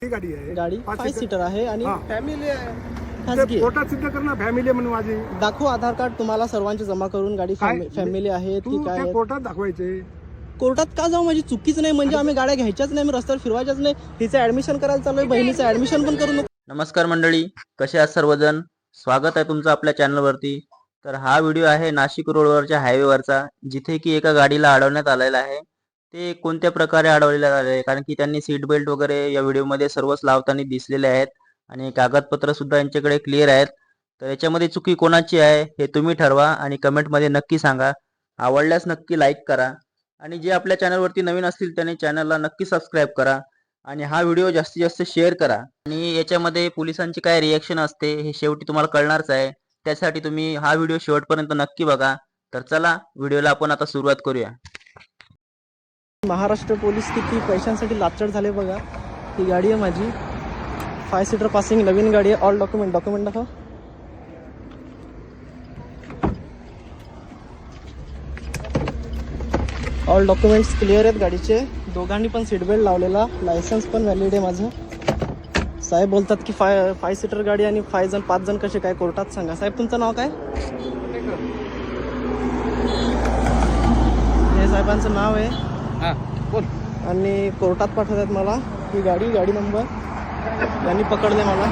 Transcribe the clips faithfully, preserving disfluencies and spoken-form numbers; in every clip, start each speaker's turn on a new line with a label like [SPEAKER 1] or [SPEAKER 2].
[SPEAKER 1] गाडी आहे,
[SPEAKER 2] गाडी फाइव सीटर आहे आणि
[SPEAKER 1] फॅमिली आहे.
[SPEAKER 2] खासगी आहे.
[SPEAKER 1] कोर्टात सिद्ध करणं फॅमिली म्हणून माझी
[SPEAKER 2] दाखवू आधार कार्ड तुम्हाला सर्वांचे जमा करून गाडी फॅमिली आहे
[SPEAKER 1] तू
[SPEAKER 2] की काय
[SPEAKER 1] ते
[SPEAKER 2] आहे?
[SPEAKER 1] कोर्टात दाखवायचे.
[SPEAKER 2] कोर्टात का जाऊ? माझी चुकीच नाही म्हणजे आम्ही गाड्या घ्यायच्याच नाही, मी रस्त्यावर फिरवायच्याच नाही. तिचं ऍडमिशन करायला चालू आहे, बहिणीचं ऍडमिशन पण करू नको.
[SPEAKER 3] नमस्कार मंडळी, कसे आहात सर्वजण? स्वागत आहे तुमचं आपल्या चॅनलवरती. तर हा व्हिडिओ आहे नाशिक रोडवरच्या हायवेवरचा, जिथे की एका गाडीला अडवण्यात आलेला आहे. ते कोणत्या प्रकारे अडवलेलं आहे, कारण की त्यांनी सीट बेल्ट वगैरे या व्हिडिओमध्ये सर्वच लावताना दिसलेले आहेत आणि कागदपत्र सुद्धा यांच्याकडे क्लिअर आहेत. तर याच्यामध्ये चुकी कोणाची आहे हे तुम्ही ठरवा आणि कमेंटमध्ये नक्की सांगा. आवडल्यास नक्की लाईक करा आणि जे आपल्या चॅनलवरती नवीन असतील त्यांनी चॅनलला नक्की सबस्क्राईब करा आणि हा व्हिडिओ जास्तीत जास्त शेअर करा. आणि याच्यामध्ये पोलिसांची काय रिएक्शन असते हे शेवटी तुम्हाला कळणारच आहे. त्यासाठी तुम्ही हा व्हिडिओ शेवटपर्यंत नक्की बघा. तर चला व्हिडिओला आपण आता सुरुवात करूया.
[SPEAKER 2] महाराष्ट्र पोलीस किती पैशांसाठी लाचड झाले बघा. ही गाडी आहे माझी, फाय सीटर पासिंग, नवीन गाडी आहे. ऑल डॉक्युमेंट डॉक्युमेंट दाखव. ऑल डॉक्युमेंट्स क्लिअर आहेत गाडीचे. दोघांनी पण सीट बेल्ट लावलेला, लायसन्स पण व्हॅलिड आहे माझं. साहेब बोलतात की फाय फाय सीटर गाडी आणि फाय जण पाच जण कसे काय कोर्टात सांगा. साहेब तुमचं नाव काय? हे साहेबांचं नाव आहे आणि कोर्टात पाठवतात मला. ही गाडी गाडी नंबर यांनी पकडले मला.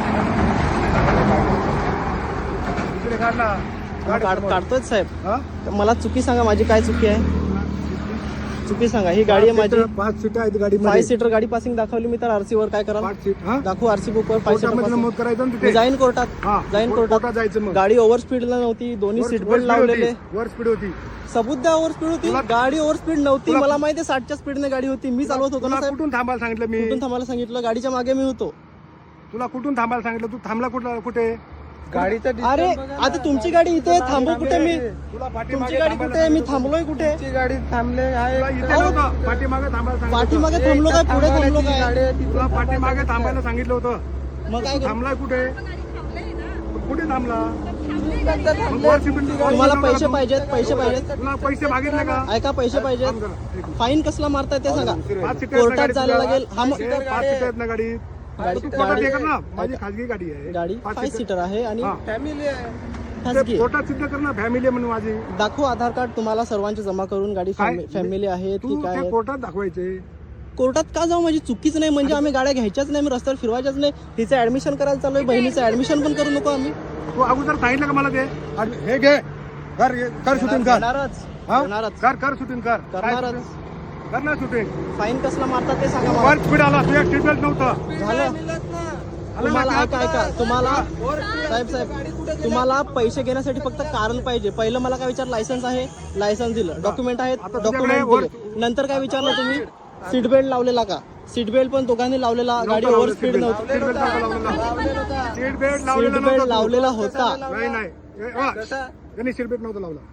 [SPEAKER 2] काढ काढतोय साहेब. मला चुकी सांगा, माझी काय चुकी आहे? चुकी सांगा. ही गाडी आहे माझी,
[SPEAKER 1] पाच सीट आहेत गाडी.
[SPEAKER 2] फाय सीटर गाडी पासिंग दाखवली मी, तर आरसी वर काय करा दाखवू? आरसी बुक वर फाय सीटर
[SPEAKER 1] नमूद करायचं ना
[SPEAKER 2] मी
[SPEAKER 1] तिथे.
[SPEAKER 2] जाईन कोर्टात, जाईन कोर्टात
[SPEAKER 1] जायचं. मग
[SPEAKER 2] गाडी ओव्हर स्पीडला नव्हती, दोन्ही सीट बेल्ट लावलेले.
[SPEAKER 1] वर स्पीड होती.
[SPEAKER 2] सबूत द्या. ओव्हर स्पीड होती गाडी, ओव्हर स्पीड नव्हती. मला माहिती आहे साठच्या स्पीडने गाडी होती, मी चालवत होतो ना साहेब.
[SPEAKER 1] कुठून थांबायला सांगितलं मी?
[SPEAKER 2] कुठून थांबायला सांगितलं? गाडीच्या मागे मी होतो.
[SPEAKER 1] तुला कुठून थांबायला सांगितलं? तू थांबला कुठला कुठे?
[SPEAKER 2] गाडीचा अरे आता तुमची गाडी इथे आहे, थांबू कुठे मी?
[SPEAKER 1] तुला
[SPEAKER 2] तुमची गाडी कुठे आहे? मी थांबलोय कुठे?
[SPEAKER 1] गाडी थांबले आहे पाठीमागे थांबायला सांगितलं.
[SPEAKER 2] पाठीमागे थांबलो काय, पुढे थांबलो काय?
[SPEAKER 1] तुला पाठीमागे थांबायला सांगितलं होतं.
[SPEAKER 2] मग काय करू?
[SPEAKER 1] थांबलाय कुठे? कुठे थांबला?
[SPEAKER 2] तुम्हाला पैसे पाहिजेत? पैसे पाहिजेत?
[SPEAKER 1] तुला पैसे मागितले का?
[SPEAKER 2] ऐका, पैसे पाहिजेत. फाईन कसला मारताय ते सांगा. कोर्टात जायला लागेल. हा मग
[SPEAKER 1] पाच सीट आहेत ना गाडी.
[SPEAKER 2] गाडी
[SPEAKER 1] तू कोर्टात ये कर ना. माझी खाजगी गाडी आहे.
[SPEAKER 2] गाडी फाय सीटर आहे आणि
[SPEAKER 1] फॅमिली आहे.
[SPEAKER 2] खासगी आहे.
[SPEAKER 1] कोर्टात सिद्ध करणं फॅमिली म्हणून माझी.
[SPEAKER 2] दाखवू आधार कार्ड तुम्हाला सर्वांचे जमा करून गाडी फॅमिली आहे
[SPEAKER 1] तू
[SPEAKER 2] की काय
[SPEAKER 1] ते
[SPEAKER 2] आहे?
[SPEAKER 1] कोर्टात दाखवायचे.
[SPEAKER 2] कोर्टात का जाऊ? माझी चुकीच नाही म्हणजे आम्ही गाड्या घ्यायच्याच नाही, मी रस्त्यावर फिरवायच्याच नाही. तिचं ऍडमिशन करायला चालू आहे, बहिणीचं ऍडमिशन पण करू नको आम्ही.
[SPEAKER 1] तू अगोदर सांगितलं का मला ते? हे घे, कर कर शूटिंग कर.
[SPEAKER 2] करणारच
[SPEAKER 1] हा?
[SPEAKER 2] करणारच
[SPEAKER 1] कर कर शूटिंग कर.
[SPEAKER 2] करणारच.
[SPEAKER 1] कर ना शूटिंग.
[SPEAKER 2] फाईन कसला मारतात ते सांगा मला.
[SPEAKER 1] वर स्पीड आला, तुझ्या सीट बेल्ट नव्हतं.
[SPEAKER 2] झालं. तुम्हाला ऐका ऐका तुम्हाला साहेब साहेब तुम्हाला पैसे घेण्यासाठी फक्त कारण पाहिजे. पहिलं मला काय विचार? लायसन्स आहे, लायसन्स दिलं. डॉक्युमेंट आहेत, डॉक्युमेंट दिले. नंतर काय विचारलं तुम्ही? सीट बेल्ट लावलेला का? सीट बेल्ट पण दोघांनी लावलेला. गाडी ओव्हर स्पीड नव्हती.
[SPEAKER 1] Seat belt seat belt
[SPEAKER 2] seat
[SPEAKER 1] लावलेला
[SPEAKER 2] बेल्ट
[SPEAKER 1] नव्हता.
[SPEAKER 2] लावलेला होता.
[SPEAKER 1] नाही नाही ए, वा. त्यांनी सीट बेल्ट नव्हतं लावला.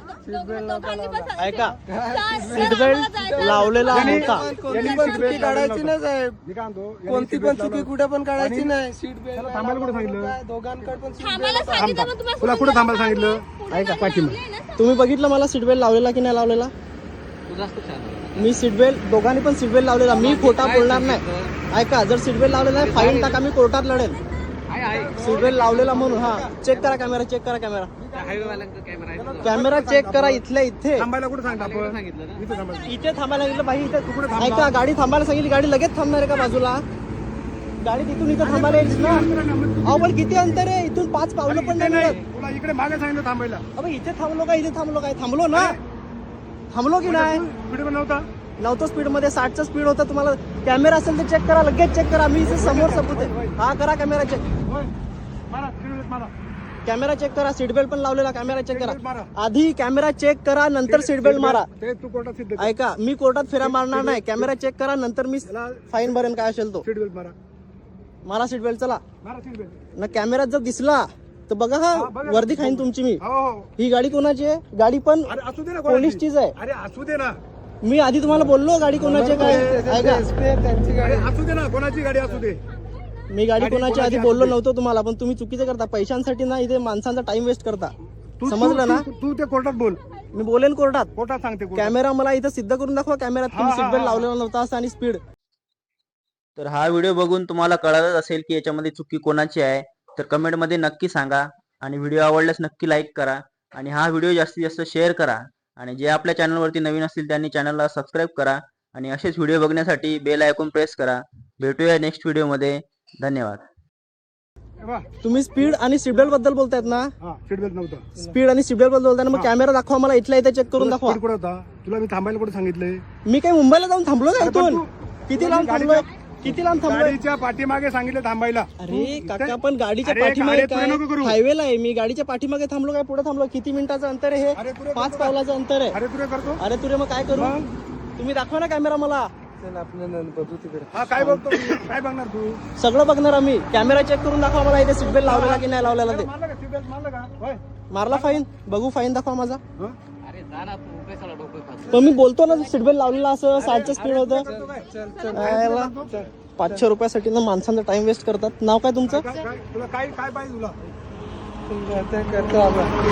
[SPEAKER 2] ऐका, सीट बेल्ट लावलेला होता.
[SPEAKER 1] चुकी काढायची नाही साहेब. कोणती पण चुकी कुठे पण काढायची नाही. सीट बेल्ट थांबायला कुठे सांगितलं? दोघांकडे पण तुला कुठे थांबायला सांगितलं?
[SPEAKER 2] ऐका पाठीमा, तुम्ही बघितलं मला सीट बेल्ट लावलेला की नाही लावलेला? मी सीट बेल्ट, दोघांनी पण सीट बेल्ट लावलेला. मी खोटा बोलणार नाही. ऐका, जर सीट बेल्ट लावलेला आहे फाईन टाका, मी कोर्टात लढेल. सीट बेल्ट लावलेला म्हणून. हा, चेक करा कॅमेरा, चेक करा कॅमेरा, कॅमेरा चेक करा. इथल्या इथे
[SPEAKER 1] थांबायला कुठे सांगितलं आपण? इथे थांबायला.
[SPEAKER 2] इथे थांबायला सांगितलं बाई. इथे ऐका, गाडी थांबायला सांगितली, गाडी लगेच थांबणार आहे का बाजूला? गाडी तिथून इथं थांबायला येईल ना. अहो पण किती अंतर आहे इथून? पाच पावलं पण नाही मिळत.
[SPEAKER 1] तुला इकडे मागे सांगितलं थांबायला.
[SPEAKER 2] अबे इथे थांबलो का? इथे थांबलो काय? थांबलो ना. थांबलो की नाही?
[SPEAKER 1] स्पीड पण नव्हता.
[SPEAKER 2] नव्हतं स्पीड मध्ये, साठचा स्पीड होता. तुम्हाला कॅमेरा असेल तर चेक करा, लगेच चेक करा. मी इथे समोर सबूत आहे. हा करा कॅमेरा चेक.
[SPEAKER 1] मारा, सीट बेल्ट मारा.
[SPEAKER 2] कॅमेरा चेक करा. सीट बेल्ट पण लावलेला, कॅमेरा चेक करा. आधी कॅमेरा चेक करा, नंतर सीट बेल्ट मारा.
[SPEAKER 1] ते तू कोर्टात सिद्ध कर.
[SPEAKER 2] ऐका, मी कोर्टात फेरा मारणार नाही. कॅमेरा चेक करा, नंतर मी फाईन भरेन काय असेल तो.
[SPEAKER 1] सीट बेल्ट मारा.
[SPEAKER 2] मारा सीट बेल्ट. चला
[SPEAKER 1] मारा सीट बेल्ट.
[SPEAKER 2] ना. कॅमेरात जर दिसला तर बघा, हा वर्दी खाईन तुमची मी.
[SPEAKER 1] हो हो.
[SPEAKER 2] ही गाडी कोणाची आहे? गाडी पण
[SPEAKER 1] अरे असू दे ना,
[SPEAKER 2] पोलीसचीच आहे.
[SPEAKER 1] अरे असू दे ना.
[SPEAKER 2] मी आधी तुम्हाला बोललो गाडी कोणाची आहे काय. ऐका,
[SPEAKER 1] अरे असू दे ना, कोणाची गाडी असू दे.
[SPEAKER 2] मी गाडी कोणाची आधी बोललो नव्हतो तुम्हाला, पण तुम्ही चुकीचं करता. पैशांसाठी ना इथे माणसांचा टाइम वेस्ट करता.
[SPEAKER 1] तू-
[SPEAKER 2] समजलं ना?
[SPEAKER 1] तू- तू ते कोर्टात बोल.
[SPEAKER 2] मी बोलेन कोर्टात.
[SPEAKER 1] कोर्टात सांगते कोर्टात.
[SPEAKER 2] कॅमेरा मला इथं सिद्ध करून दाखवा. कॅमेरात तुम्ही सीट बेल्ट लावलेला नव्हता असं आणि स्पीड
[SPEAKER 3] तर हा व्हिडिओ बघून तुम्हाला कळालंच असेल की याच्यामध्ये चुकी कोणाची आहे. तर कमेंटमध्ये नक्की सांगा आणि व्हिडिओ आवडल्यास नक्की लाईक करा आणि हा व्हिडिओ जास्तीत जास्त शेअर करा. आणि जे आपल्या चॅनलवरती नवीन असतील त्यांनी चॅनलला सबस्क्राईब करा आणि असेच व्हिडिओ बघण्यासाठी बेल आयकॉन प्रेस करा. भेटूया नेक्स्ट व्हिडिओमध्ये. धन्यवाद.
[SPEAKER 2] तुम्ही स्पीड आणि सीट बेल्ट बद्दल बोलतायत ना?
[SPEAKER 1] सीट बेल्ट नव्हतं.
[SPEAKER 2] स्पीड आणि सीट बेल्ट बद्दल बोलताय ना, मग कॅमेरा दाखवा मला, इथल्या इथे चेक करून दाखवा.
[SPEAKER 1] Speed कुठं होता? तुला मी थांबायला कुठे सांगितलंय?
[SPEAKER 2] मी काही मुंबईला जाऊन थांबलो का
[SPEAKER 1] अरे पण
[SPEAKER 2] इथून?
[SPEAKER 1] तू-
[SPEAKER 2] किती
[SPEAKER 1] तुला
[SPEAKER 2] लांब
[SPEAKER 1] मी
[SPEAKER 2] थांबलोय?
[SPEAKER 1] गाडीच्या-
[SPEAKER 2] किती लांब थांबलोय?
[SPEAKER 1] गाडीच्या पाठीमागे सांगितलं थांबायला.
[SPEAKER 2] अरे काका, पण गाडीच्या
[SPEAKER 1] अरे,
[SPEAKER 2] पाठीमागे
[SPEAKER 1] गाडी पुढे नको
[SPEAKER 2] काय
[SPEAKER 1] करू.
[SPEAKER 2] हायवेला आहे मी, गाडीच्या पाठीमागे थांबलो काय पुढे थांबलो? किती मिनिटाचं अंतर आहे
[SPEAKER 1] अरे,
[SPEAKER 2] हे?
[SPEAKER 1] पुढे
[SPEAKER 2] पाच
[SPEAKER 1] करतो
[SPEAKER 2] पावलाचं अंतर आहे.
[SPEAKER 1] अरे तुला करतो.
[SPEAKER 2] अरे तुरे, मग काय करू?
[SPEAKER 1] मग?
[SPEAKER 2] तुम्ही दाखवा ना कॅमेरा मला.
[SPEAKER 1] हा काय बघतो मी? काय बघणार तू?
[SPEAKER 2] सगळं बघणार आम्ही. कॅमेरा चेक करून दाखवा मला, इथे सीट बेल्ट लावलेला की नाही लावलेला ते.
[SPEAKER 1] मारलं का? सीट बेल्ट मारलं का? होय.
[SPEAKER 2] मारला फाईन? बघू फाईन दाखवा माझा.
[SPEAKER 1] हं?
[SPEAKER 2] पण मी बोलतो ना सीट बेल्ट लावलेला असं साठचं स्पीड होतं.
[SPEAKER 1] करतो काय?
[SPEAKER 2] यायला पाचशे रुपयासाठी ना माणसांचा टाइम वेस्ट करतात. नाव काय तुमचं?
[SPEAKER 1] काय- काय- तुला काय काय पाहिजे तुला?